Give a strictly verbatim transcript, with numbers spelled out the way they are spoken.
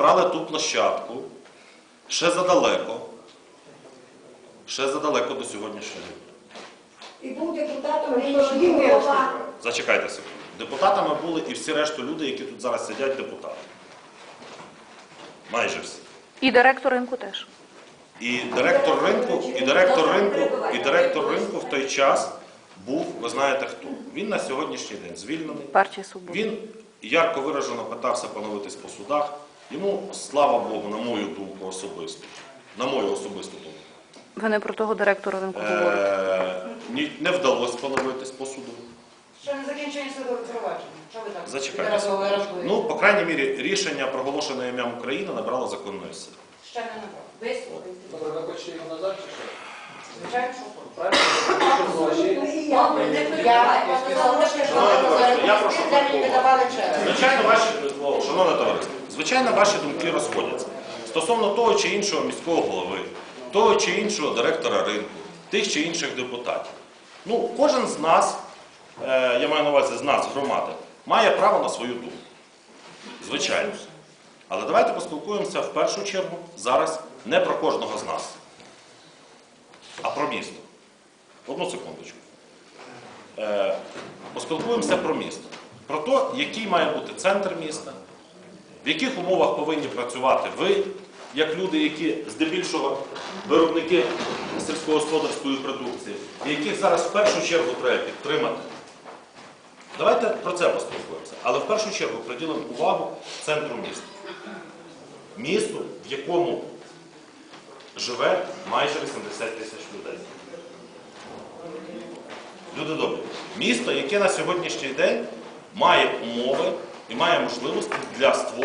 брали ту площадку ще задалеко, ще задалеко до сьогоднішнього дня. І був депутатом рішення голова. Зачекайте секунду. Депутатами були і всі решту люди, які тут зараз сидять, депутати. Майже всі. І директор ринку теж. І директор ринку, і директор ринку, і директор ринку в той час був, ви знаєте хто. Він на сьогоднішній день звільнений. Партія Свобода. Він ярко виражено питався поновитись по судах. Йому, слава Богу, на мою думку особисто, на мою особисту думку, Ви не про того директора ринку говорите. е ні- не вдалося поновитись по суду. Що не закінчення судового провадження? Що ви так? Зачекайте. Відразу виражуєте? Ну, по крайній мірі, рішення, проголошене ім'ям України, набрало законної сили. Ще не набрав. Висловити. Добре, ви хочете його назад чи що? Звичайно, що хочете. Правильно? І я. Я сказала, що Я прошу мені не давали через. Звичайно, ваші, шановне товариство, звичайно, ваші думки розходяться. Стосовно того чи іншого міського голови, того чи іншого директора ринку, тих чи інших депутатів. Ну, кожен з нас, е, я маю на увазі з нас, громади, має право на свою думку. Звичайно. Але давайте поспілкуємося в першу чергу зараз не про кожного з нас, а про місто. Одну секундочку. Е, поспілкуємося про місто. Про те, який має бути центр міста, в яких умовах повинні працювати ви, як люди, які здебільшого виробники сільськогосподарської продукції, і яких зараз в першу чергу треба підтримати. Давайте про це поспілкуємося. Але в першу чергу приділимо увагу центру міста. Місту, в якому живе майже вісімдесят тисяч людей. Люди добрі. Місто, яке на сьогоднішній день має умови і має можливості для створення